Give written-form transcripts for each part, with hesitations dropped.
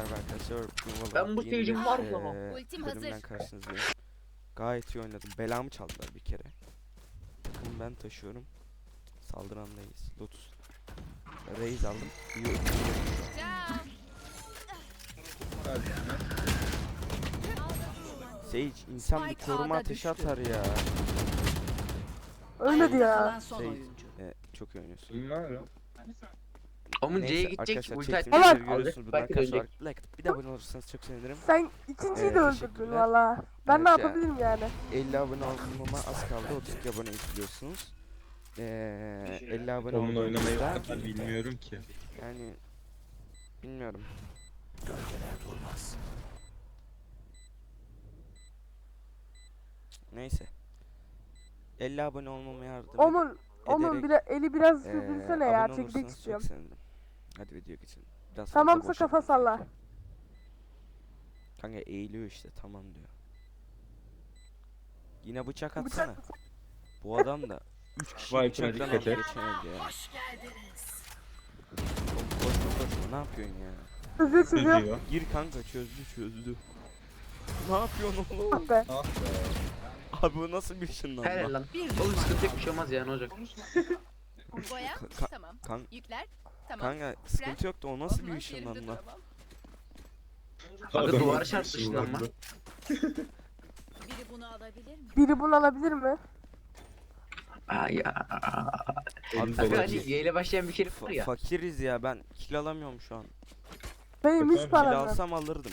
Merhaba arkadaşlar. Ben bu stage'im var ya. Ultim bölümden hazır. karşınızdayım. Gayet iyi oynadım. Belamı çaldılar bir kere. Takımı ben taşıyorum. Saldıranlayız. Lotus. Raze aldım. İyi oynadım. Can. Sage insan bir Spike koruma ağda ateşi düştü. atar ya. Ölmedi ya. Kalan son Sage. oyuncu. Çok iyi oynuyorsun. Bilmiyorum. Omun Neyse, C'ye gidecek. arkadaşlar Ulti çektiğim açacak. videoları görüyorsunuz. Bundan Belki kaç dönecek. var? Like atıp bir de abone olursanız çok sevinirim. Sen ikinciyi de öldürdün teşekkürler. valla. Ben ne Evet ya. yapabilirim yani? 50 abone olmama az kaldı. 32 abone izliyorsunuz. 50 abone Omun oynamayı olduğunuzda bilmiyorum ki. yani bilmiyorum. Neyse. 50 abone olmama yardım Onun eli biraz sürdürsene ya. abone Çekmek olursanız çok istiyorum. sevinirim. Hadi video geçelim. Biraz fazla Tamamsa boş kafa yaptım salla. sanki. Kanka eğiliyor işte tamam diyor. Yine bıçak atsana. Bu adam da 3 kişi Vay, bıçaktan dikkat aldı et. geçemedi ya. Koşma ne yapıyorsun ya? Hızlı çiziyorum. Çözüyor. Gir kanka çözdü. Ne yapıyorsun oğlum? Ah be. Ah be. Abi bu nasıl bir ışınlanma? Helal lan. Bir Oğlum düşman sıkıntı yok, kaldı. bir şey olmaz ya, ne olacak? Boya. Ka- Tamam. kan- Yükler. Tamam. Kanka sıkıntı yok da o nasıl bir Olmaz, ışınlanma? yerimde duramam. Kanka duvara çarptı ışınlanma. Biri bunu alabilir mi? Biri bunu alabilir mi? Ay ya. Abi Kanka fakir- hani Y ile başlayan bir kere var ya. fakiriz ya ben kill alamıyorum şu an. Benim hiç Kill Kill param yok. alsam alırdım.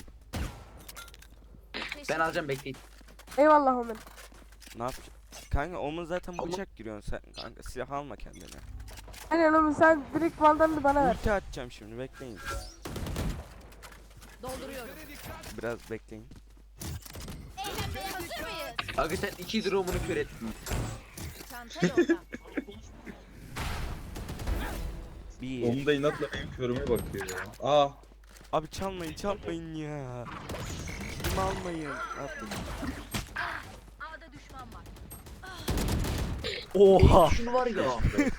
Ben alacağım, bekleyin. Eyvallah Omen. Ne yapacağım? Kanka onun zaten Ama- bıçak giriyorsun sen kanka silah alma kendine. Aynen Omen, sen direkt Van'dan bana ver. Ulti atacağım şimdi bekleyin. Dolduruyorum. Biraz bekleyin. Eğlenmeye hazır mıyız? Aga sen 2 drone'unu kör ettin. Çanta yolda. Bir. Onun da inatla benim körüme bakıyor ya. Aa, Abi çalmayın ya. Kilimi almayın. Atlayın. A'da düşman var. Oha. Şunu var ya.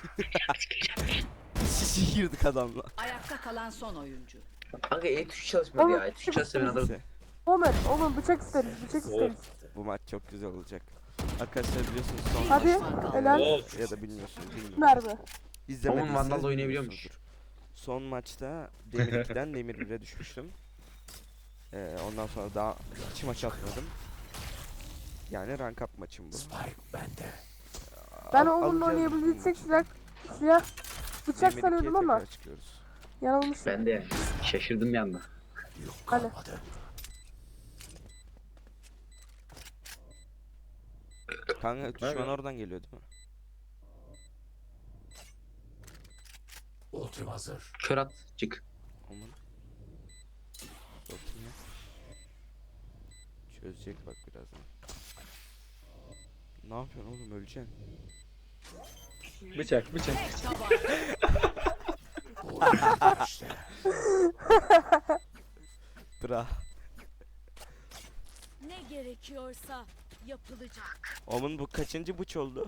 Şişi girdik adamla. Ayakta kalan son oyuncu. Kanka E tuşu çalışmadı ya. E tuşu çalışsa ben alırım. Neyse, Omen bıçak isteriz, bıçak isteriz. bu maç çok güzel olacak. Arkadaşlar biliyorsunuz son Hadi, düşman kaldı. helal. of. ya da bilmiyorsunuz bilmiyorum. Mermi. İzlemediyseniz Oğlum Vandal oynayabiliyormuş. bilmiyorsunuzdur. Son maçta Demir 2'den Demir 1'e düşmüştüm. Ondan sonra daha hiç maç atmadım. Yani rank up maçım bu. Ben Al- Omen'la alacağız oynayabilecek bu silah bıçak Demir sanıyordum 2'ye ama tekrar çıkıyoruz. yanılmışım. Ben de şaşırdım bir anda. Hani. Kanka düşman Nerede? oradan geliyor değil mi? Kör at, çık. Aman. Bakayım ya. Çözecek bak birazdan. Ne yapıyorsun oğlum öleceksin. Bıçak. Bra. Ne gerekiyorsa yapılacak. Oğlum bu kaçıncı bıç oldu?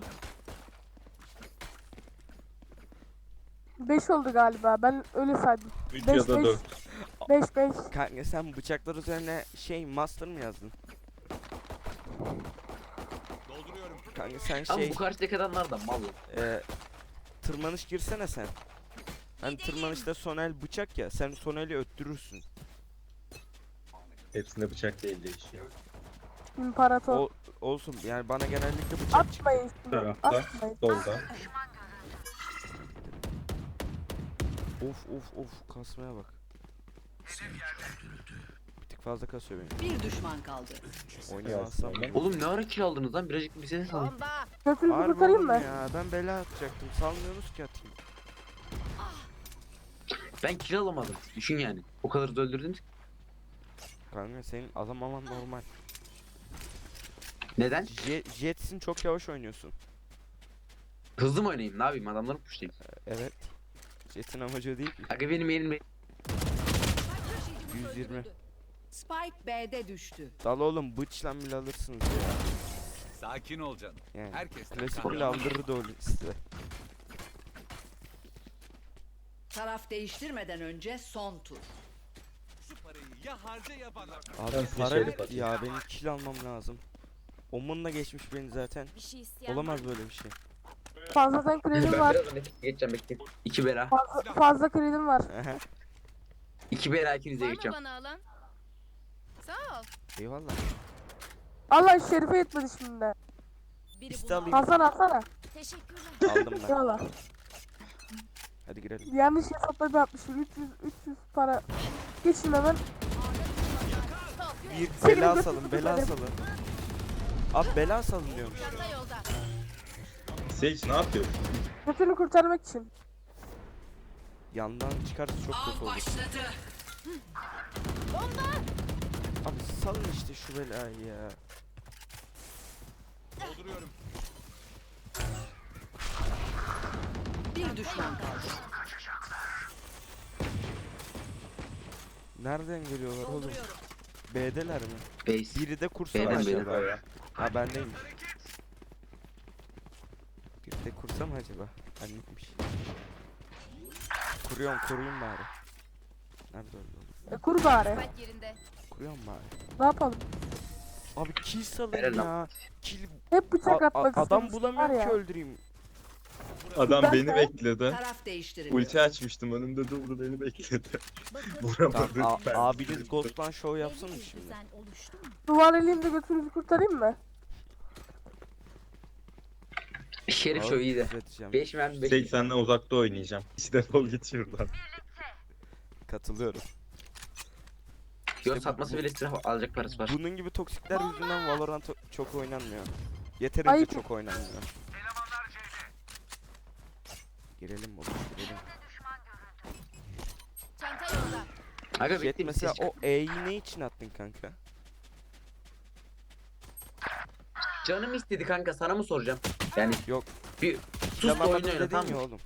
5 oldu galiba. Ben öyle saydım. 3 Beş, ya da beş. 4. 5. Kanka sen bıçaklar üzerine master mı yazdın? Kanka sen Ama bu karşıdaki adamlar da mal. tırmanış girsene sen. Hani tırmanışta sonel bıçak ya sen soneli öttürürsün. Hepsinde bıçak değil değişiyor. İmparator. Olsun yani bana genellikle bıçak çıktı. Atmayın şimdi. Tarafta. Atmayın. Solda. Of kasmaya bak. Bir tık fazla kasıyor beni. Bir düşman kaldı. Oynayamazsam. Oğlum ne ara kill aldınız lan? Birazcık bize de salın. Bomba. Köprüyü Harbi kurtarayım oğlum mı? ya ben bela atacaktım. Salmıyorsunuz ki atayım. Ben kill alamadım. Düşün yani. O kadar da öldürdünüz. Kanka senin azamaman normal. Neden? Jet'sin çok yavaş oynuyorsun. Hızlı mı oynayayım? Ne yapayım? Adamları pushlayayım. Evet. Jet'in amacı o değil mi? Aga benim elimde. 120. Spike B'de düştü. Dal oğlum bıçla bile alırsınız ya. Sakin ol canım. Yani Herkesten klasik kahraman bile aldırırdı o size. Taraf değiştirmeden önce son tur. Şu parayı Ya harca ya bana. Abi Ben size para şöyle bitti bakayım. ya, benim kill almam lazım. Omun'la geçmiş beni zaten. Bir şey isteyen Olamaz böyle bir şey. Fazladan kredim Ben var. birazdan nefes geçeceğim bekleyin. 2 bera. Fazla kredim var. 2 bera ikinize var mı geçeceğim. bana alan? Sağ ol. Eyvallah. Allah Şerife yetmedi şimdi de. Biri İste bunu alayım. Hasan alsana. Teşekkürler. Aldım ben. Eyvallah. Hadi girelim. Yanlış hesapları yapmışım. 300 para. Geçin hemen. Bir Senin bela götünü salın, bela tutarım. salın. Abi bela salın diyormuş. Çanta yolda. Sage ne yapıyor? Götünü kurtarmak için. Yandan çıkarsa çok kötü olur. Abi salın işte şu belayı ya. Dolduruyorum. Bir düşman kaldı. Nereden geliyorlar oğlum? B'deler mi? Base. Biri de kursana B'den acaba? beri. Ya. Ha bendeymiş. Bir de kursam acaba? Bendeymiş. Kuruyorum, koruyayım bari. Nerede öldü oğlum? Kur bari. Spike yerinde. Kuruyorum bari. Ne yapalım? Abi kill salın Helal lan. ya. Kill... Hep bıçak atmak Adam istemiştim, var bulamıyorum ya. ki öldüreyim. Adam Ben beni de- bekledi. Taraf değiştiriliyor. Ulti açmıştım önümde durdu beni bekledi. Tamam, Vuramadım ben. abiniz Ghost'lan show yapsın mı şimdi? Düzen oluştu mu? Duvar eleyim de götünüzü kurtarayım mı? Şerif Abi, şu iyi de. düzelteceğim. 5 mermi 5. Sage senden uzakta oynayacağım. Hiç defol git şuradan. Katılıyorum. Yok bu- satması bu- bile silah alacak parası var. Bunun gibi toksikler yüzünden Valorant çok oynanmıyor. Yeterince Ayıp. çok oynanmıyor. Girelim oğlum, girelim. Çanta yolda. Aga Jet bekleyin mesela ses. o E'yi ne için attın kanka? Canım istedi kanka sana mı soracağım? Yani Yok. bir sus da Yalanladın oyun oyna dedin tamam ya mı? oğlum.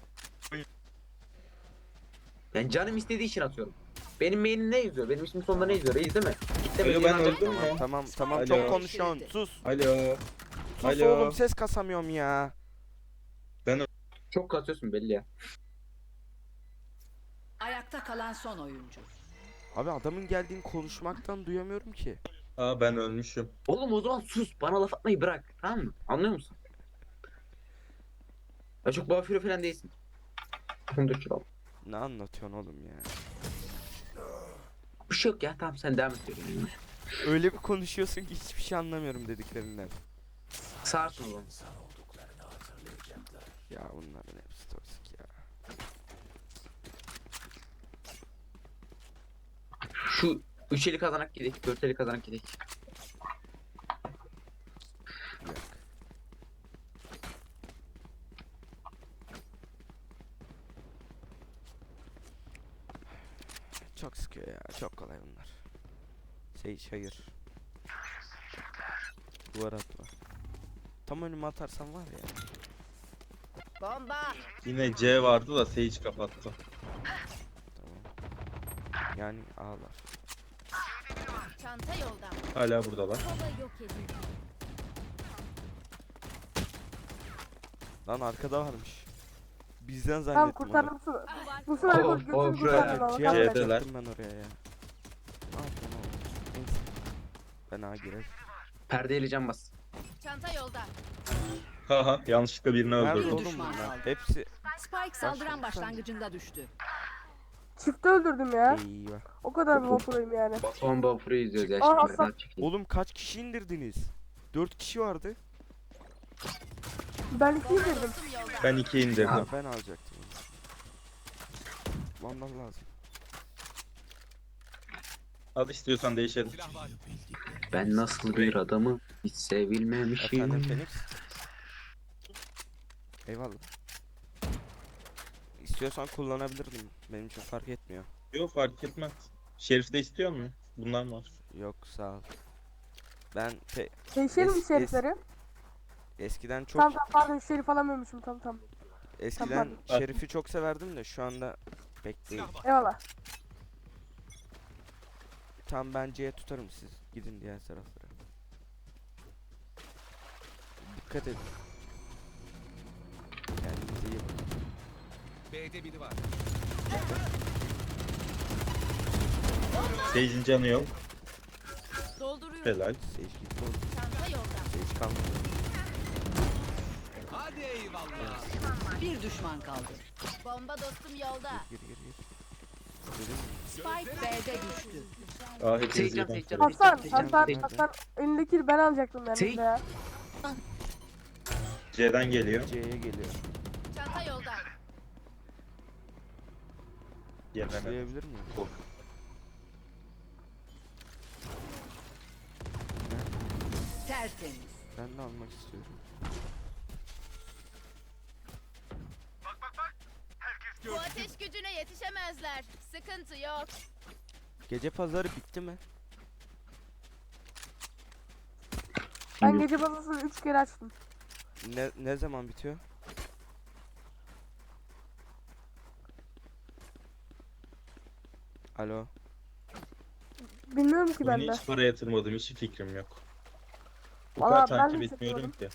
Yani canım istediği için atıyorum. Benim main'im ne yazıyor? Benim ismim sonunda ne yazıyor? Reis değil mi? Alo ben öldüm Tamam mü? tamam tamam, Alo. çok konuşuyorsun. Sus. Alo. Sus Alo. oğlum, ses kasamıyorum ya. Çok kasıyorsun belli ya. Ayakta kalan son oyuncu. Abi adamın geldiğini konuşmaktan duyamıyorum ki. Aa ben ölmüşüm. Oğlum o zaman sus. Bana laf atmayı bırak. Tamam mı? Anlıyor musun? Ya çok bafiro falan değilsin. 14 kilo. Ne anlatıyorsun oğlum ya? Bir şey yok ya. Tamam sen devam et. diyorum. Öyle bir konuşuyorsun ki hiçbir şey anlamıyorum dediklerinden. Sağırsın oğlum. Ya bunların hepsi toksik ya. Şu 3 eli kazanak gidelim. 4 eli kazanak gidelim. Yok. Çok sıkıyor ya. Çok kolay bunlar. Sage hayır. Duvar atma. Tam önüme atarsan var ya. Bomba. Yine C vardı da Sage kapattı. Tamam. Yani ağlar. Çanta yolda. Hala buradalar. Soba yok edildi. Lan arkada varmış. Bizden Tamam zannettim kurtardım. Bu sefer Oh, götünü oh, kurtardım ama. Ciğer Tamam. C'deler. yapacaktım ben oraya ya. Ne yapayım oğlum? Neyse. Ben ağa girer. Perdeyle cam bas. Çanta yolda. Haha yanlışlıkla birini Nerede öldürdüm. oğlum düşman bunlar? kaldı. Hepsi Spike saldıran başlangıcında düştü. Çifte öldürdüm ya. eyvah. O kadar bir vapurayım yani. Batuhan Bafur'u izliyoruz ya. Aa, Şimdi Hasan. daha çekeyim. Oğlum kaç kişi indirdiniz? 4 kişi vardı. Ben iki indirdim. Dostum yolda. Ben 2 indirdim. Ha, ben alacaktım. Vandal lazım. Al istiyorsan değişelim. Silah var. Ben nasıl bir adamı hiç sevilmemişim. Efendim Phoenix. Eyvallah. İstiyorsan kullanabilirdim. Benim için fark etmiyor. Yok fark etmez. Şerif de istiyor mu? Bunlar var. Yok sağ ol. Ben Değişelim mi Es- şerifleri? eskiden çok Tamam tamam pardon şerif alamıyormuşum tamam. eskiden Tamam. Şerif'i çok severdim de şu anda pek değil. Silah var. Eyvallah. Tam ben C'ye tutarım, siz gidin diğer taraflara. Dikkat edin. Kendinize iyi bakın. B'de biri var. Sage'in canı yok. Dolduruyorum. Helal. Sage gitti oğlum. Çanta yolda. Sage kalmadı. Hadi eyvallah. Bir düşman kaldı. Bomba dostum yolda. Gir. Dedim. Spike B'de düştü. Aa hepiniz Seyircan, birden. seyircan. Hasan, Seyircan, Hasan, seyircan. Hasan. Elindeki ben alacaktım Şey- yanımda ya. C'den geliyor. C'ye geliyor. Çanta yolda. Yememe. Başlayabilir miyim? Of. Tertemiz. Ben de almak istiyorum. Bu ateş gücüne yetişemezler. Sıkıntı yok. Gece pazarı bitti mi? Ben gece bazasını 3 kere açtım. Ne zaman bitiyor? Alo. Bilmiyorum ki ben Oyuna de. hiç para yatırmadım. Hiç fikrim yok. Bu Valla kadar ben de takip hiç etmiyorum ki.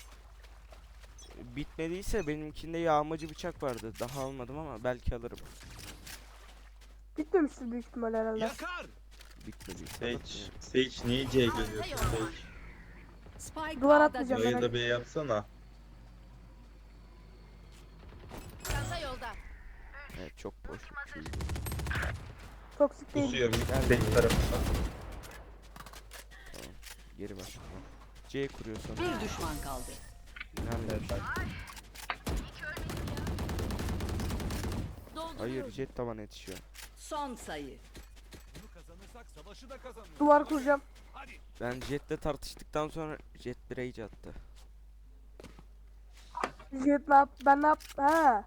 Bitmediyse benimkinde yağmacı bıçak vardı. Daha almadım ama belki alırım. Bitmemiştir büyük ihtimal herhalde. Yakar. Bitmediyse Sage, alırım. Sage niye C'ye geliyorsun Sage? Spike Duvar A'da atmayacağım düştü. ben. Burayı da B yapsana. Çanta yolda. Evet çok boş. Toksik değil. Kusuyor Gel. Sage tarafından. Geri bak. C kuruyorsun. Bir düşman kaldı. Nerede? Dolduruyorum. Hayır jet tavan yetişiyor. Son sayı. Bunu kazanırsak savaşı da kazanırız. Duvar kuracağım. Hadi. Ben jetle tartıştıktan sonra jet bir rage attı. Jet ne yap? Ben ne yap? He.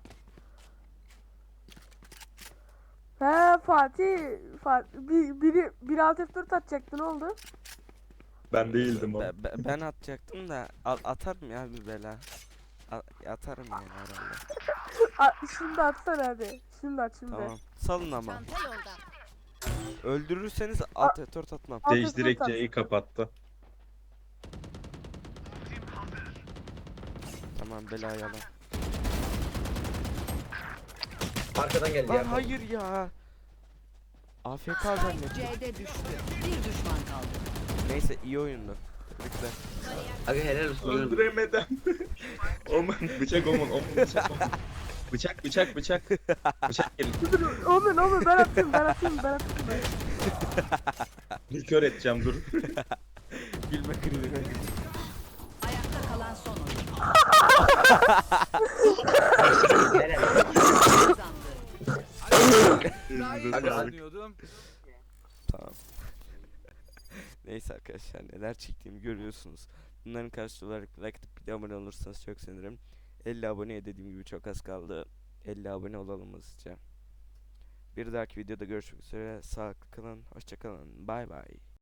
He Fatih. Biri alt F4 atacaktı, ne oldu? Ben değildim o. Ben atacaktım da atarım ya bir bela. Atarım yani herhalde. Şimdi atsana hadi. Şimdi at şimdi. Tamam. Salın ama. Çanta yolda. Öldürürseniz alt F4 atmam. Alt Sage F4 direkt at. C'yi kapattı. Tamam belayı alalım. Arkadan geldi Lan ya. hayır ya. AFK Spike zannettim. C'de düştü. Bir düşman kaldı. Neyse iyi oyundu. Tebrikler. Aga helal olsun. Öldüremeden. Oman bıçak Oman bıçak Oman. Bıçak. Bıçak gelin. Oğlum ben atayım. Dur kör edeceğim dur. Gülme krizi. Ayakta kalan son oyuncu. Helal. Kazandı. Aga, Kazanıyordum. Tamam. Neyse arkadaşlar neler çektiğimi görüyorsunuz. Bunların karşılığı olarak like atıp bir de abone olursanız çok sevinirim. 50 aboneye dediğim gibi çok az kaldı. 50 abone olalım hızlıca. Bir dahaki videoda görüşmek üzere. Sağlıklı kalın. Hoşça kalın. Bay bay.